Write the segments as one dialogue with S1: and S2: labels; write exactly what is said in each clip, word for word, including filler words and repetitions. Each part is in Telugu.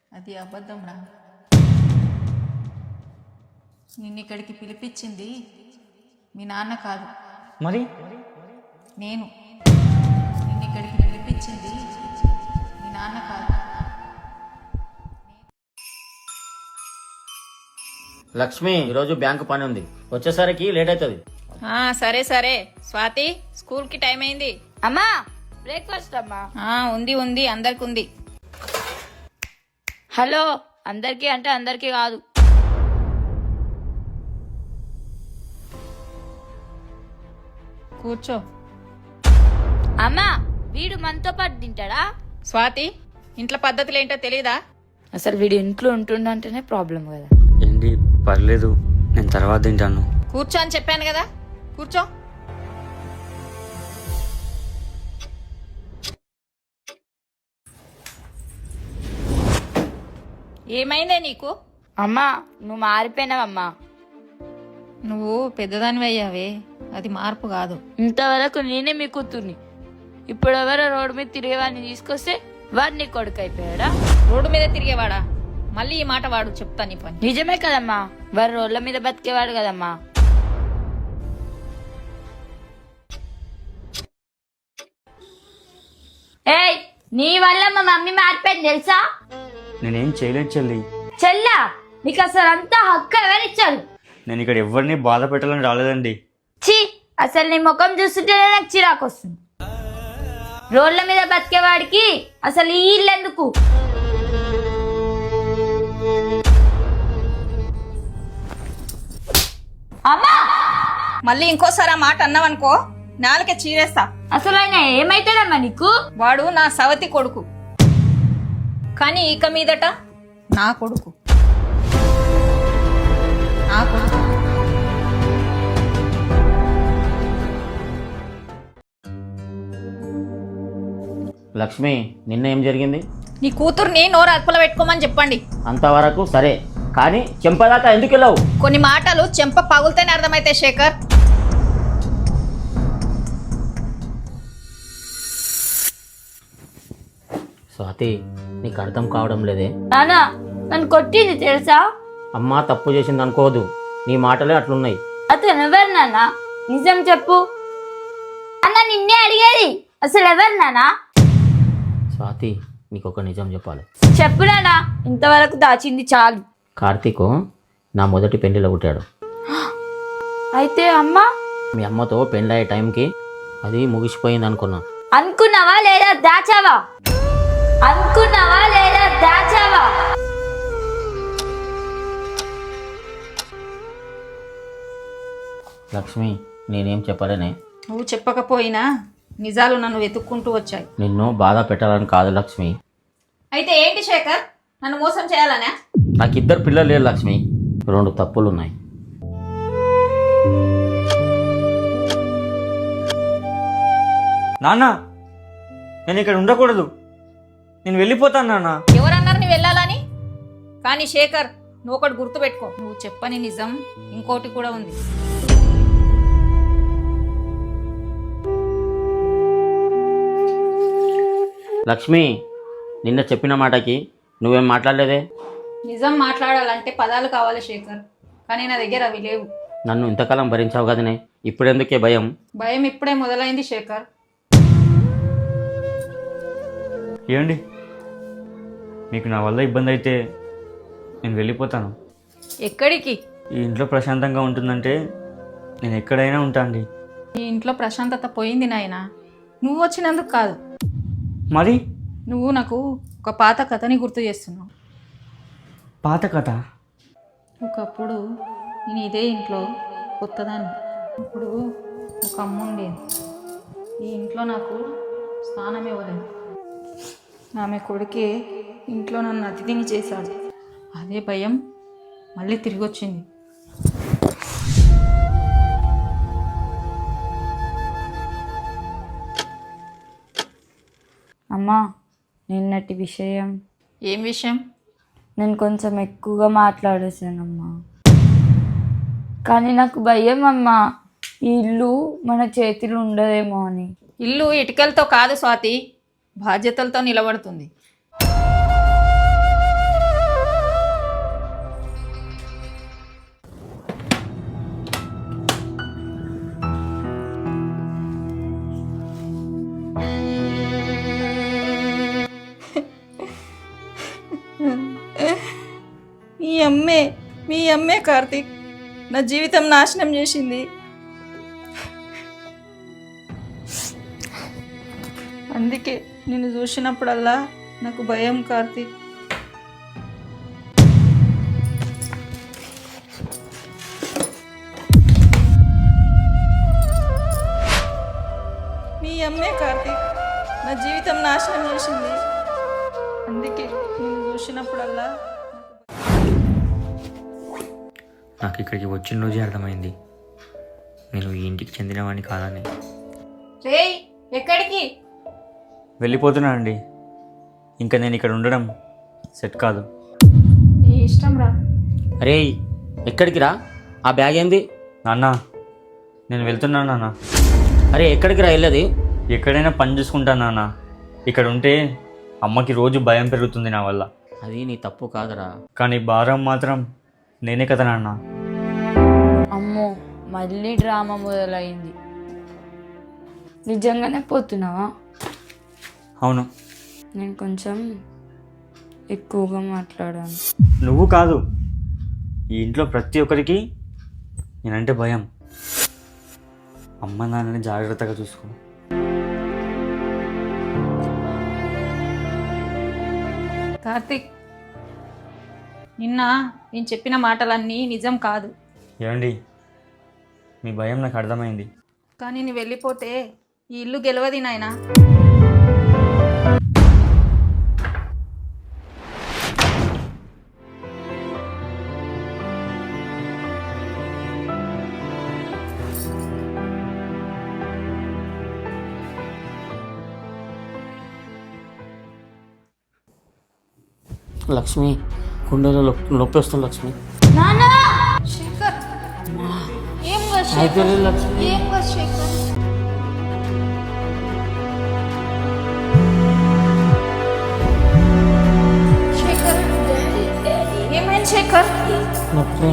S1: అది అబద్ధం రా. నిన్ను ఇక్కడికి పిలిపించింది మీ నాన్న కాదు,
S2: మరి
S1: నేను. నిన్ను ఇక్కడికి పిలిపించింది మీ నాన్న కాదు.
S2: లక్ష్మి, ఈరోజు బ్యాంకు పని ఉంది, వచ్చేసరికి లేట్ అవుతుంది.
S1: సరే సరే స్వాతి, స్కూల్కి టైం అయింది.
S3: అమ్మా బ్రేక్ఫాస్ట్ అమ్మా.
S1: ఉంది ఉంది అందరికి ఉంది.
S3: హలో, అందరికీ అంటే అందరికీ కాదు.
S1: కూర్చో.
S3: అమ్మా, వీడు మనతో పాటు తింటాడా?
S1: స్వాతి, ఇంట్లో పద్ధతులు ఏంటో తెలీదా?
S3: అసలు వీడు ఇంట్లో ఉంటుండంటేనే ప్రాబ్లం కదా.
S2: ఏంటి, పర్లేదు, నేను తర్వాత తింటాను.
S1: కూర్చో అని చెప్పాను కదా, కూర్చో. ఏమైందే నీకు?
S3: అమ్మా, నువ్వు మారిపోయినావమ్మా.
S1: నువ్వు పెద్దదానివి అయ్యావే, అది మార్పు కాదు.
S3: ఇంతవరకు నేనే మీ కూతుర్ని, ఇప్పుడు ఎవరో రోడ్డు మీద తిరిగేవాడిని తీసుకొస్తే వాడు నీ కొడుకు అయిపోయాడా?
S1: రోడ్డు మీద తిరిగేవాడా? మళ్ళీ ఈ మాట వాడు, చెప్తా నీ పని.
S3: నిజమే కదమ్మా, వాడు రోడ్ల మీద బతికేవాడు కదమ్మా. ఏయ్, నీ వల్ల మా మమ్మీ మారిపోయింది తెలుసా?
S2: నేనేం చేయలేదు చెల్లి.
S3: చెల్లా, నీకు అసలు అంతా హక్కు ఎవరిచ్చారు?
S2: నేను ఇక్కడ ఎవరిని బాధ పెట్టాలని రాలేదండి.
S3: ఛీ, అసలు నీ ముఖం చూస్తుంటేనే నాకు చిరాకు వస్తుంది. రోడ్ల మీద బతికేవాడికి అసలు ఈ ఇల్లు ఎందుకు? అమ్మా,
S1: మళ్ళీ ఇంకోసారి ఆ మాట అన్నావనుకో, నాలుకే చీరేస్తా.
S3: అసలు ఆయన ఏమైతాడమ్మా నీకు?
S1: వాడు నా సవతి కొడుకు, కానీ ఇక మీదట నా కొడుకు. నా కొడుకు.
S2: లక్ష్మి, నిన్న ఏం జరిగింది?
S1: నీ కూతుర్ని నోరు అదుపులో పెట్టుకోమని చెప్పండి.
S2: అంతవరకు సరే, కానీ చెంపదాకా ఎందుకు వెళ్ళావు?
S1: కొన్ని మాటలు చెంప పగులుతేనే అర్థమైతే శేఖర్.
S2: స్వాతి, నీకు అర్థం కావడం లేదే.
S3: నానా, నన్ను కొట్టింది తెలుసా?
S2: అమ్మ తప్పు చేసింది అనుకోదు, నీ మాటలే అట్లున్నాయి.
S3: అతను ఎవరు నాన్న? నిజం చెప్పు అన్న, నిన్నే అడిగేది. అసలు ఎవరు నానా?
S2: స్వాతి, నీకు ఒక నిజం చెప్పాలి.
S3: చెప్పు నానా, ఇంతవరకు దాచింది చాలు.
S2: కార్తీక్ నా మొదటి పెళ్లిలో పుట్టాడు.
S3: అయితే అమ్మా?
S2: మీ అమ్మతో పెళ్ళయ్యే టైంకి అది ముగిసిపోయింది అనుకున్నా.
S3: అనుకున్నావా లేదా దాచావా? అనుకున్నావా లేదా దాచావా?
S2: లక్ష్మి, నేనేం చెప్పలేనే.
S1: నువ్వు చెప్పకపోయినా నిజాలు నన్ను వెతుక్కుంటూ వచ్చాయి.
S2: నిన్ను బాధ పెట్టాలని కాదు లక్ష్మి.
S1: అయితే ఏంటి శేఖర్, నన్ను మోసం చేయాలనే?
S2: నాకు ఇద్దరు పిల్లలు లేరు లక్ష్మి, రెండు తప్పులు ఉన్నాయి. నాన్న, నేను ఇక్కడ ఉండకూడదు, నేను వెళ్ళిపోతాను నాన్న.
S1: ఎవరన్నారు నీ వెళ్ళాలని? కానీ శేఖర్, నువ్వు ఒకటి గుర్తుపెట్టుకో, నువ్వు చెప్పని నిజం ఇంకోటి కూడా ఉంది.
S2: లక్ష్మి, నిన్న చెప్పిన మాటకి నువ్వేం మాట్లాడలేదే.
S1: నిజం మాట్లాడాలంటే పదాలు కావాలి శేఖర్, కానీ నా దగ్గర అవి లేవు.
S2: నన్ను ఇంతకాలం భరించావు కదనే, ఇప్పుడెందుకే భయం?
S1: భయం ఇప్పుడే మొదలైంది శేఖర్.
S4: ఏమండి, మీకు నా వల్ల ఇబ్బంది అయితే నేను వెళ్ళిపోతాను.
S1: ఎక్కడికి?
S4: ఈ ఇంట్లో ప్రశాంతంగా ఉంటుందంటే నేను ఎక్కడైనా ఉంటా అండి.
S1: ఈ ఇంట్లో ప్రశాంతత పోయింది నాయనా, నువ్వు వచ్చినందుకు కాదు.
S4: మరి
S1: నువ్వు నాకు ఒక పాత కథని గుర్తు చేస్తున్నావు.
S4: పాత కథ?
S1: ఒకప్పుడు నేను ఇదే ఇంట్లో కొత్తదాన్ని. ఇప్పుడు ఒక అమ్మ ఉండేది. ఈ ఇంట్లో నాకు స్థానం ఇవ్వలేదు. ఆమె కొడుకే ఇంట్లో నన్ను అతిథిని చేశాడు. అదే భయం మళ్ళీ తిరిగి వచ్చింది.
S3: అమ్మా, నిన్నటి విషయం.
S1: ఏం విషయం?
S3: నేను కొంచెం ఎక్కువగా మాట్లాడేసానమ్మా, కానీ నాకు భయం అమ్మా, ఈ ఇల్లు మన చేతిలో ఉండదేమో అని.
S1: ఇల్లు ఇటుకలతో కాదు స్వాతి, బాధ్యతలతో నిలబడుతుంది. మీ అమ్మే మీ అమ్మే కార్తీక్ నా జీవితం నాశనం చేసింది. అందుకే నిన్ను చూసినప్పుడల్లా నాకు భయం కార్తీక్. మీ అమ్మే కార్తీక్ నా జీవితం నాశనం చేసింది. అందుకే నిన్ను చూసినప్పుడల్లా
S4: నాకు ఇక్కడికి వచ్చిన రోజే అర్థమైంది నేను ఈ ఇంటికి చెందినవాడిని కాదని.
S1: రేయ్ ఎక్కడికి?
S4: వెళ్ళిపోతున్నానండి. ఇంకా నేను ఇక్కడ ఉండడం సెట్ కాదు.
S1: నీ ఇష్టం రా.
S5: అరే ఎక్కడికి రా? ఆ బ్యాగ్ ఏంది?
S4: నాన్న నేను వెళ్తున్నాను నాన్న.
S5: అరే ఎక్కడికి రా వెళ్ళేది?
S4: ఎక్కడైనా పని చూసుకుంటాను నాన్న. ఇక్కడ ఉంటే అమ్మకి రోజు భయం పెరుగుతుంది నా వల్ల.
S5: అది నీ తప్పు కాదురా.
S4: కానీ భారం మాత్రం నేనే కదా నాన్న.
S3: అమ్మో మళ్ళీ డ్రామా మొదలైంది. నిజంగానే పోతున్నావా?
S4: అవును.
S3: నేను కొంచెం ఎక్కువగా మాట్లాడాను.
S4: నువ్వు కాదు, ఈ ఇంట్లో ప్రతి ఒక్కరికి నేనంటే భయం. అమ్మ నాన్నని జాగ్రత్తగా చూసుకో.
S1: కార్తీక్ నిన్న నేను చెప్పిన మాటలన్నీ నిజం కాదు.
S4: ఏమండి, మీ భయం నాకు అర్థమైంది.
S1: కానీ నువ్వు వెళ్ళిపోతే ఈ ఇల్లు గెలవది నాయనా.
S5: లక్ష్మి గుండెలో నొప్పి వస్తుంది లక్ష్మి.
S1: శేఖర్ ఏం
S5: అయితే లక్ష్మి
S1: ఏం శేఖర్ శేఖర్ ఏమైంది శేఖర్?
S5: నొప్పి.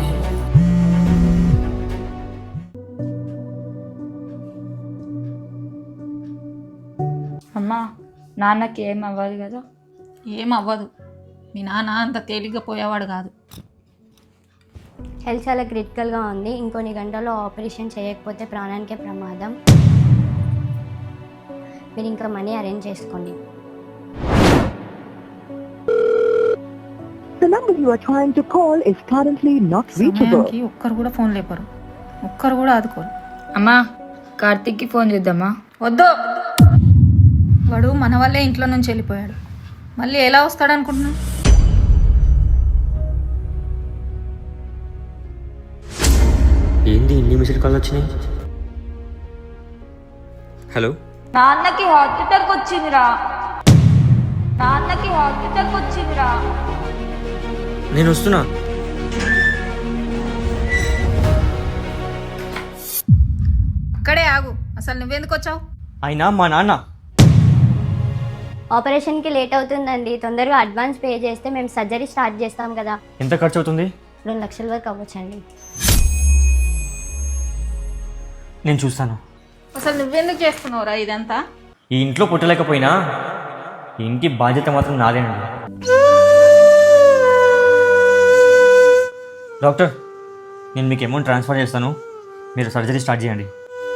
S3: అమ్మా నాన్నకి ఏం అవ్వదు కదా?
S1: ఏం అవ్వదు. మీ నాన్న అంత తేలిగ్గా పోయేవాడు కాదు.
S6: హెల్త్ చాలా క్రిటికల్గా ఉంది. ఇంకొన్ని గంటల్లో ఆపరేషన్ చేయకపోతే ప్రాణానికే ప్రమాదం. మీరు ఇంకా మనీ అరేంజ్ చేసుకోండి.
S7: The number you are trying to call is currently not reachable.
S1: సమయానికి ఒక్కరు కూడా ఫోన్ లేపరు, ఒక్కరు కూడా ఆదుకోరు.
S3: అమ్మా కార్తీక్కి ఫోన్ చేద్దామా?
S1: వద్దు, వాడు మన వల్లే ఇంట్లో నుంచి వెళ్ళిపోయాడు. మళ్ళీ ఎలా వస్తాడు అనుకుంటున్నా?
S4: ఏంది ఇన్ని మిస్డ్ కాల్ వచ్చినాయి? హలో,
S3: నాన్నకి హార్ట్ అటాక్ వచ్చిందిరా. నాన్నకి హార్ట్ అటాక్ వచ్చిందిరా.
S4: నేను వస్తున్నా.
S1: అక్కడే ఆగు. అసలు నువ్వెందుకు వచ్చావు?
S4: అయినా మా నాన్న
S6: ఆపరేషన్కి లేట్ అవుతుందండి. తొందరగా అడ్వాన్స్ పే చేస్తే మేము సర్జరీ స్టార్ట్ చేస్తాం కదా.
S4: ఎంత ఖర్చు అవుతుంది?
S6: రెండు లక్షల వరకు అవ్వచ్చండి.
S4: నేను చూస్తాను.
S1: అసలు నువ్వెందుకు చేస్తున్నావురా ఇదంతా?
S4: ఈ ఇంట్లో పుట్టలేకపోయినా ఈ ఇంటి బాధ్యత మాత్రం నాదేనండి. డాక్టర్, నేను మీకు అమౌంట్ ట్రాన్స్ఫర్ చేస్తాను, మీరు సర్జరీ స్టార్ట్ చేయండి.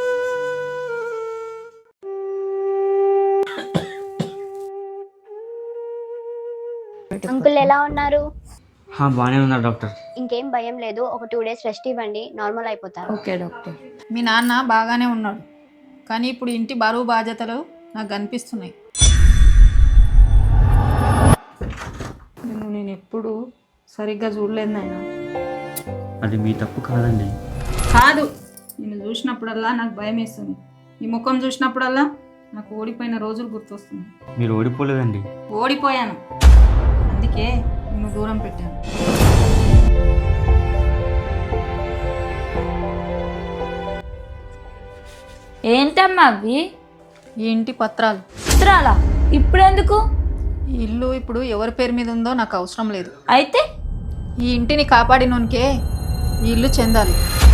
S6: అంకుల్ ఎలా ఉన్నారు?
S4: బాగానే ఉన్నారు డాక్టర్.
S6: ఇంకేం భయం లేదు. ఒక టూ డేస్ రెస్ట్ ఇవ్వండి, నార్మల్ అయిపోతారు.
S3: Okay doctor.
S1: మీ నాన్న బాగానే ఉన్నాడు, కానీ ఇప్పుడు ఇంటి బరువు బాధ్యతలు నాకు కనిపిస్తున్నాయి. నిన్ను నేను ఎప్పుడు సరిగ్గా చూడలేదు నాయన.
S4: అది మీ తప్పు కాదండి.
S1: కాదు, నిన్ను చూసినప్పుడల్లా నాకు భయం వేస్తుంది. ఈ ముఖం చూసినప్పుడల్లా నాకు ఓడిపోయిన రోజులు గుర్తొస్తున్నాయి.
S4: మీరు ఓడిపోలేదండి.
S1: ఓడిపోయాను, అందుకే నిన్ను దూరం పెట్టాను.
S3: ఏంటమ్మా అవి?
S1: ఈ ఇంటి పత్రాలు.
S3: చిత్రాలా? ఇప్పుడెందుకు?
S1: ఈ ఇల్లు ఇప్పుడు ఎవరి పేరు మీద ఉందో నాకు అవసరం లేదు.
S3: అయితే
S1: ఈ ఇంటిని కాపాడినోనికే ఈ ఇల్లు చెందాలి.